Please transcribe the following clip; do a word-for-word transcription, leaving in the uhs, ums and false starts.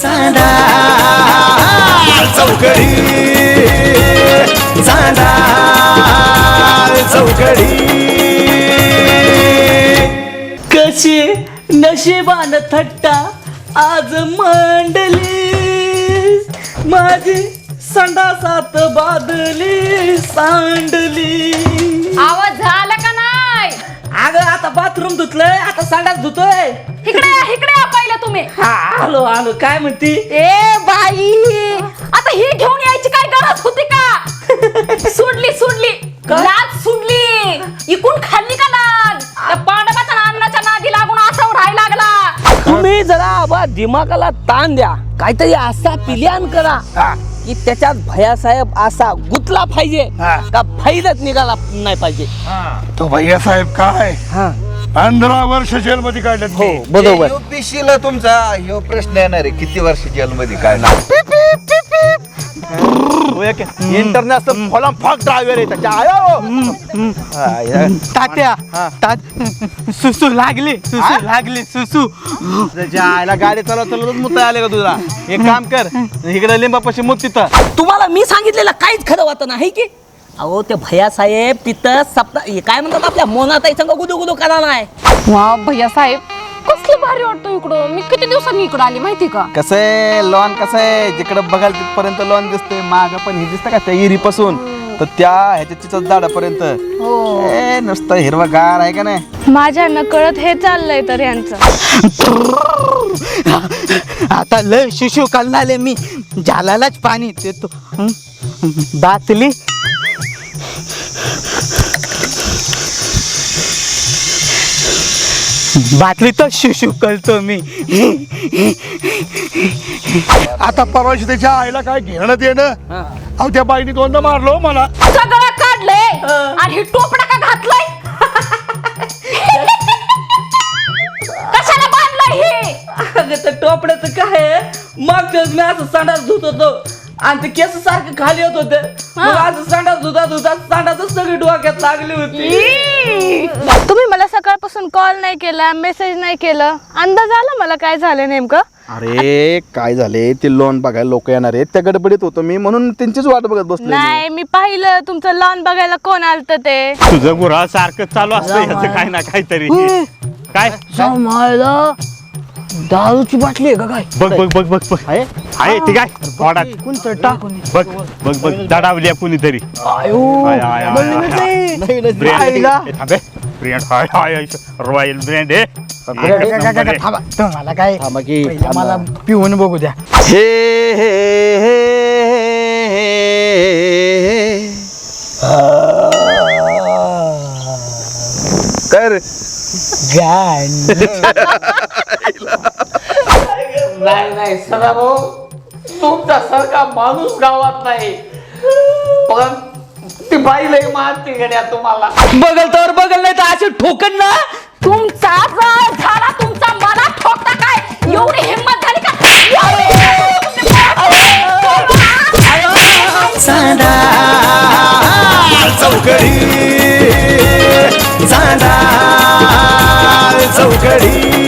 चांदा चौकडी चांदा चौकडी कशी नशिबान थट्टा आज मांडली माझी संडासात बादली सांडली. आवाज झाला का नाही? अगं आता बाथरूम धुतलंय आता संडास धुतोय. इकडे या, इकडे या पहिलं तुम्ही. हा आलो आलो. काय म्हणती? ए बाई आता ही घेऊन यायची काय गरज होती का? सुडली सुडली लाज सुडली. इकून खाल्ली का लाज? त्या पांडवाच्या अन्नाच्या नादी लागून असं उडायला लागला. तुम्ही जरा आबा दिमागाला ताण द्या. काहीतरी असा प्लॅन करा की त्याच्यात भैयासाहेब असा गुतला पाहिजे का फायदाच निघाला नाही पाहिजे. तो भैया साहेब काय हा पंधरा वर्ष जेल मध्ये काढले. हो बरोबर. युपीसीला तुमचा ह्यो प्रश्न येणार आहे, किती वर्ष जेलमध्ये काय ना. इंटरनॅशनल फॉलम फॉक ड्रायव्हर आहे त्याच्या आयो तात्या तात सुसू लागली सुसू लागली सुसू त्याच्या आईला गाडी चालवत चालवत मुता आले का तुला? एक काम कर इकडे लिंबापाशी मुत तिथं. तुम्हाला मी सांगितलेलं काहीच खरं वाटत नाही की अहो ते भैयासाहेब तिथं सप्ता काय म्हणतात आपल्या मोनाताई संग गुदू गुदू करा नाही. वा भैया साहेब कसलं भारी वाटतं इकडं. मी किती दिवसांनी इकडं आली माहिती का? कसं आहे लॉन कसं आहे जिकडे बघाल तिथपर्यंत लॉन दिसते माग पण हे दिसतं का त्या इरीपासून तर त्या ह्याच्या चिचत झाडापर्यंत ए नुसतं हिरवागार आहे का नाही. माझ्या नकळत हे चाललंय तर यांचं. आता लय शिशू कलनाले मी झालालाच पाणी देतो. बातली बाटली तर शिशू करतो मी. आता परवाशी त्याच्या आईला काय घेणं देणं. अहो त्या बाईने दोनदा मारलो मला. सगळं काढलंय आणि ही टोपडा का घातलंय? कशाला बांधलंय हे? अगं तर टोपड्याचं काय आहे? मागच्या वेळेस मी असं संडास धुत होतो आणि ते केस सारखे खाली होत होते. मग असं संडास धुता धुता संडासच सगळी डोक्यात लागली होती. तुम्ही मला सकाळपासून कॉल नाही केला मेसेज नाही केलं. अंदाज आला मला काय झालं नेमकं. अरे काय झाले ते लोन बघायला लोक येणार आहेत त्या गडबडीत होतो मी म्हणून त्यांचीच वाट बघत बसलो. नाही मी पाहिलं तुमचं लॉन बघायला कोण आलत ते. तुझं गुरा सारखं चालू असतं ह्याचं काय ना काहीतरी. काय दारूची बाटली आहे का काय? बघ बघ बघ बघ बघ आहे ठीक आहे वाडात टाकून बघ बघ बघ दडावली कुणीतरी. रॉयल ब्रँड आहे. तुम्हाला काय मला पिऊन बघू द्या. हे कर नाही नाही सदा भाऊ तुमचा सारखा माणूस गावात नाही. पण ती बाई लई मारते गड्या तुम्हाला. बघल तर बघल नाही तर असे ठोकन ना. तुमचा जर झाला तुमचा मला ठोकता काय एवढी हिंमत झाली का? चांदा चौकडी चांदा चौकडी